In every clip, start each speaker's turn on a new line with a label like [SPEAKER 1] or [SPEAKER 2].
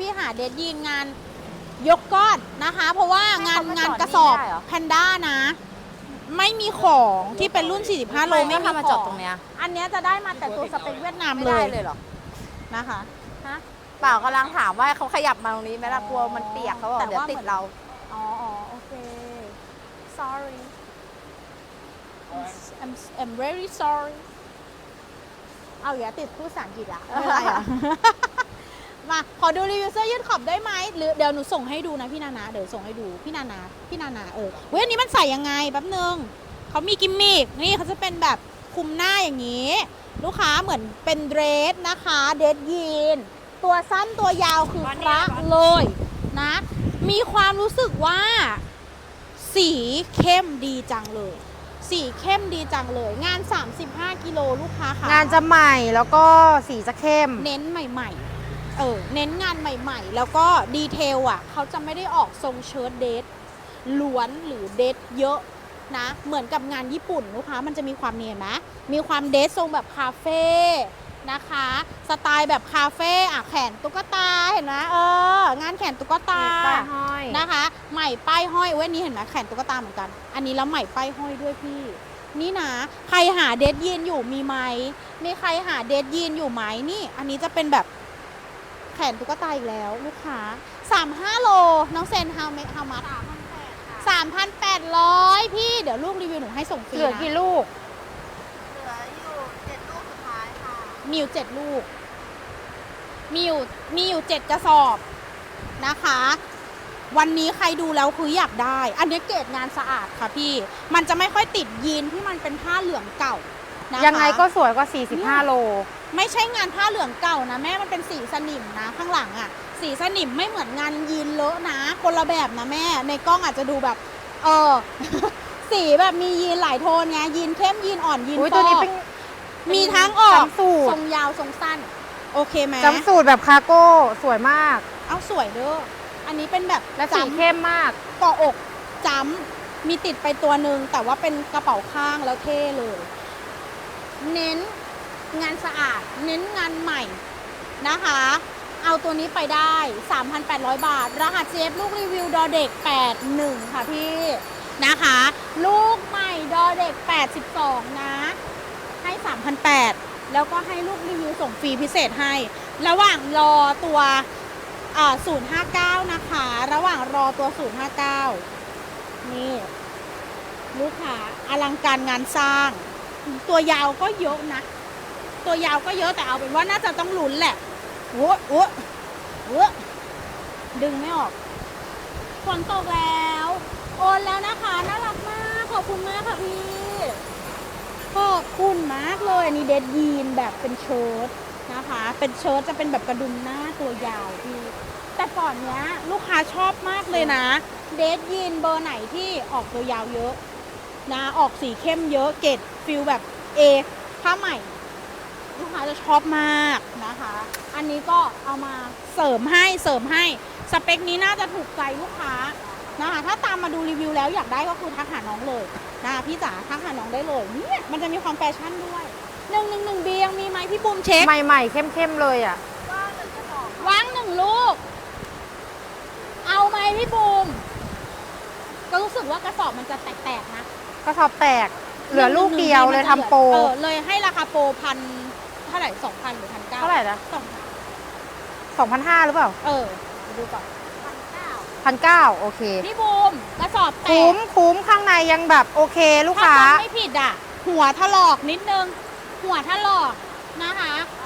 [SPEAKER 1] หาเดทยีนงานยกก้อนนะคะ เพราะว่างานกระสอบแพนด้านะ ไม่มีของที่เป็นรุ่น 45 โลไม่มี
[SPEAKER 2] มา
[SPEAKER 1] ข
[SPEAKER 2] จ
[SPEAKER 1] อ
[SPEAKER 2] ด
[SPEAKER 1] ง
[SPEAKER 2] ตรงเนี้ย
[SPEAKER 1] อันเนี้ยจะได้มาแต่ตัวสเปคเวียดนาม
[SPEAKER 2] ไม่
[SPEAKER 1] เล
[SPEAKER 2] ได้
[SPEAKER 1] ย
[SPEAKER 2] เลยเหรอ
[SPEAKER 1] นะคะ
[SPEAKER 2] ฮะเปล่ากำลังถามว่าเขาขยับมาตรงนี้ไหมล่ะกลัวมันเปียกเขาบอกเดี๋ยวติดเรา
[SPEAKER 1] อ๋อโอเค sorry I'm very sorry เอาอย่าติดพูดภาษาอังกฤษอะไม่เป็นไรอะ มาขอดูรีวิวเสื้อยืดขอบได้ไหมหรือเดี๋ยวหนูส่งให้ดูนะพี่นานาเดี๋ยวส่งให้ดูพี่นานาเว้ยอันนี้มันใส่ยังไงแป๊บนึงเขามีกิมมิกนี่เขาจะเป็นแบบคลุมหน้าอย่างนี้ ลูกค้าเหมือนเป็นเดรสนะคะเดรสยีนตัวสั้นตัวยาวคือพระเลยนะมีความรู้สึกว่าสีเข้มดีจังเลยสีเข้มดีจังเลยงาน 35 กิโลลูกค้าค่ะ
[SPEAKER 2] งานจะใหม่แล้วก็สีจะเข้ม
[SPEAKER 1] เน้นใหม่ๆเน้นงานใหม่ๆแล้วก็ดีเทลอ่ะเขาจะไม่ได้ออกทรงเชิ้ตเดทล้วนหรือเดทเยอะนะเหมือนกับงานญี่ปุ่นลูกค้ามันจะมีความเนียนนะมีความเดททรงแบบคาเฟ่นะคะสไตล์แบบคาเฟ่อะแขนตุ๊กตาเห็นไหมงานแขนตุ๊กตานะคะใหม่ป้ายห้อยเว้ยนี้เห็นไหมแขนตุ๊กตาเหมือนกันอันนี้แล้วใหม่ป้ายห้อยด้วยพี่นี่นะใครหาเดทยีนอยู่มีไหมมีใครหาเดทยีนอยู่ไหมนี่อันนี้จะเป็นแบบแขนตุ๊กตาอีกแล้วลูกค้า35 โลน้องเซนฮาวมัด3,800พี่เดี๋ยวลูกรีวิวหนูให้ส่งฟรีนะ
[SPEAKER 2] เหลือกี่ลูก
[SPEAKER 3] เหลืออยู่7 ลูกสุดท้ายค่ะ
[SPEAKER 1] มีอยู่7 ลูกมีอยู่7 กระสอบนะคะวันนี้ใครดูแล้วคืออยากได้อันนี้เกรดงานสะอาดค่ะพี่มันจะไม่ค่อยติดยีนที่มันเป็นผ้าเหลืองเก่านะคะ
[SPEAKER 2] ยังไงก็สวยกว่า 45 โล
[SPEAKER 1] ไม่ใช่งานผ้าเหลืองเก่านะแม่มันเป็นสีสนิมนะข้างหลังอ่ะสีสนิมไม่เหมือนงานยีนเลอะนะคนละแบบนะแม่ในกล้องอาจจะดูแบบ สีแบบมียีนหลายโทนไงยีนเข้มยีนอ่อนยีน
[SPEAKER 2] อุ๊ย
[SPEAKER 1] ฟ
[SPEAKER 2] ตัวนี้
[SPEAKER 1] อก
[SPEAKER 2] เป็น
[SPEAKER 1] มีทั้งออก
[SPEAKER 2] จำสูตร
[SPEAKER 1] ทรงยาวทรงสั้นโอเคไหม
[SPEAKER 2] จำสูตรแบบคาร์โก้สวยมาก
[SPEAKER 1] เอาสวยเด้ออันนี้เป็นแบบ
[SPEAKER 2] และสีเข้มมาก
[SPEAKER 1] เกาะอกจ้ำมีติดไปตัวหนึ่งแต่ว่าเป็นกระเป๋าข้างแล้วเท่เลย เน้นงานสะอาดเน้นงานใหม่นะคะเอาตัวนี้ไปได้ 3,800 บาทรหัสเจฟลูกรีวิวดอเด็ก81ค่ะพี่นะคะลูกใหม่ดอเด็ก82นะให้ 3,800แล้วก็ให้ลูกรีวิวส่งฟรีพิเศษให้ระหว่างรอตัว059นะคะระหว่างรอตัว059นี่ลูกค้าอลังการงานสร้างตัวยาวก็เยอะนะตัวยาวก็เยอะแต่เอาเป็นว่าน่าจะต้องลุ้นแหละโอ้ดึงไม่ออกฝนตกแล้วโอนแล้วนะคะน่ารักมากขอบคุณมากค่ะพี่ขอบคุณมากเลยอันนี้เดดยีนแบบเป็นเชิ้ตนะคะเป็นเชิ้ตจะเป็นแบบกระดุมหน้าตัวยาวพี่แต่ก่อนเนี้ยลูกค้าชอบมากเลยนะเดดยีนเบอร์ไหนที่ออกตัวยาวเยอะนะออกสีเข้มเยอะเกรดฟิลแบบผ้าใหม่ลูกค้าจะชอบมากนะคะอันนี้ก็เอามาเสริมให้สเปคนี้น่าจะถูกใจลูกค้านะคะถ้าตามมาดูรีวิวแล้วอยากได้ก็คือทักหาน้องเลยนะคะพี่จ๋าทักหาน้องได้เลยเนี่ยมันจะมีความแฟชั่นด้วย111 บียังมีไหมพี่บูมเช็ค
[SPEAKER 2] ใหม่ๆ เข้มๆ เลยอ่ะ
[SPEAKER 1] ว่าง1 ลูกเอาไหมพี่บูมก็รู้สึกว่ากระสอบมันจะแตกๆนะ
[SPEAKER 2] ก็สอบแตก เหลือลูกเดียวเลยทำโปร
[SPEAKER 1] เลยให้ราคาโปรเท่าไหร่ 2,000 หรือ 1,900
[SPEAKER 2] เท่าไหร่นะ 2,500 หรือเปล่า
[SPEAKER 1] ดูก่อน
[SPEAKER 2] 1,900 โอเค
[SPEAKER 1] พี่บูมกระสอบแตก
[SPEAKER 2] คุ้มข้างในยังแบบโอเคลูกค้า
[SPEAKER 1] ถ้าจำไม่ผิดอ่ะ หัวถลอกนิดนึง หัวถลอกนะคะ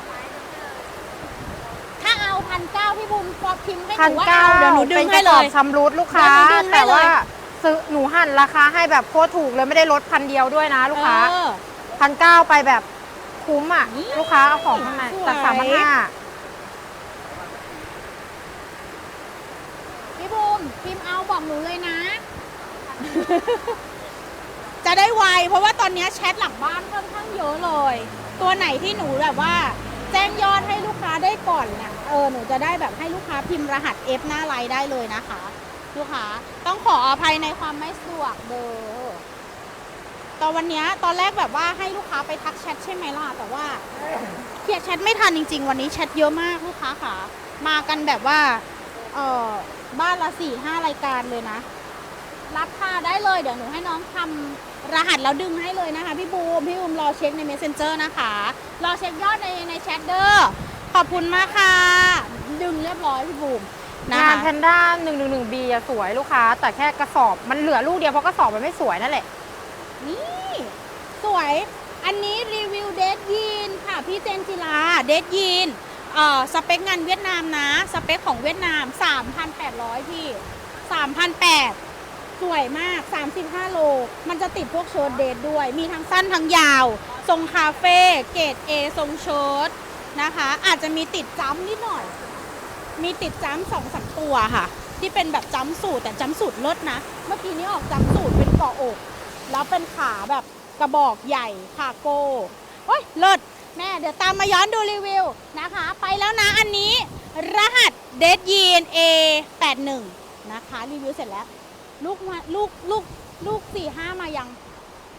[SPEAKER 1] ถ้าเอา1,900พี่บูมพอพิมพ์ให้หนูว่าเอาเดี๋ยวหนูดึงให้เลย
[SPEAKER 2] เป็นกระสอบชำรุดลูกค้า
[SPEAKER 1] เดี๋ยวหนูดึงให้เลย
[SPEAKER 2] แต่ว่าซื้อหนูหั่นราคาให้แบบโคตรถูกเลยไม่ได้ลด1,000ด้วยนะลูกค้า 1,900 ไปแบบคุ้มอ่ะ
[SPEAKER 1] นี่
[SPEAKER 2] ลูกค้าเอาของข้างในแต่
[SPEAKER 1] สวย
[SPEAKER 2] 3,500
[SPEAKER 1] พี่บูมพิมพ์เอาบอกหนูเลยนะ จะได้ไวเพราะว่าตอนนี้แชทหลังบ้านค่อนข้างเยอะเลย ตัวไหนที่หนูแบบว่า แจ้งยอดให้ลูกค้าได้ก่อนเนี่ยหนูจะได้แบบให้ลูกค้าพิมพ์รหัส F หน้าไลน์ได้เลยนะคะ ลูกค้าต้องขออภัยในความไม่สะดวกเด้อตอนวันนี้ตอนแรกแบบว่าให้ลูกค้าไปทักแชทใช่ไหมล่ะแต่ว่าเคลียร์แชทไม่ทันจริงๆวันนี้แชทเยอะมากลูกค้าค่ะมากันแบบว่าบ้านละ4-5 รายการเลยนะ รับค่าได้เลย เดี๋ยวหนูให้น้องทำรหัสแล้วดึงให้เลยนะคะพี่บูมรอเช็คใน Messenger นะคะ รอเช็คยอดในแชทเด้อขอบคุณมากค่ะ ดึงเรียบร้อยพี่บูมนะ
[SPEAKER 2] งาน
[SPEAKER 1] คะ
[SPEAKER 2] แพนด้า 111B อะสวยลูกค้า แต่แค่กระสอบมันเหลือลูกเดียวเพราะกระสอบมันไม่สวยนั่นแหละ
[SPEAKER 1] นี่สวย อันนี้รีวิวเดดยีนค่ะพี่เจนจิลาเดดยีนสเปคงานเวียดนามนะ สเปคของเวียดนาม 3,800 พี่ 3,800 สวยมาก 35 โล มันจะติดพวกเชิ้ตเดทด้วย มีทั้งสั้นทั้งยาว ทรงคาเฟ่เกรด A ทรงเชิ้ตนะคะ อาจจะมีติดจ้ำนิดหน่อย มีติดจ้ำ2-3 ตัวค่ะ ที่เป็นแบบจ้ำสูตรแต่จ้ำสูตรเลิศนะ เมื่อกี้นี้ออกจ้ำสูตรเป็นเกาะอก แล้วเป็นขาแบบกระบอกใหญ่คาโก้โอ้ยเลิศแม่เดี๋ยวตามมาย้อนดูรีวิวนะคะ ไปแล้วนะอันนี้รหัสเดดยีน A81 นะคะรีวิวเสร็จแล้ว ลูก4-5 มายัง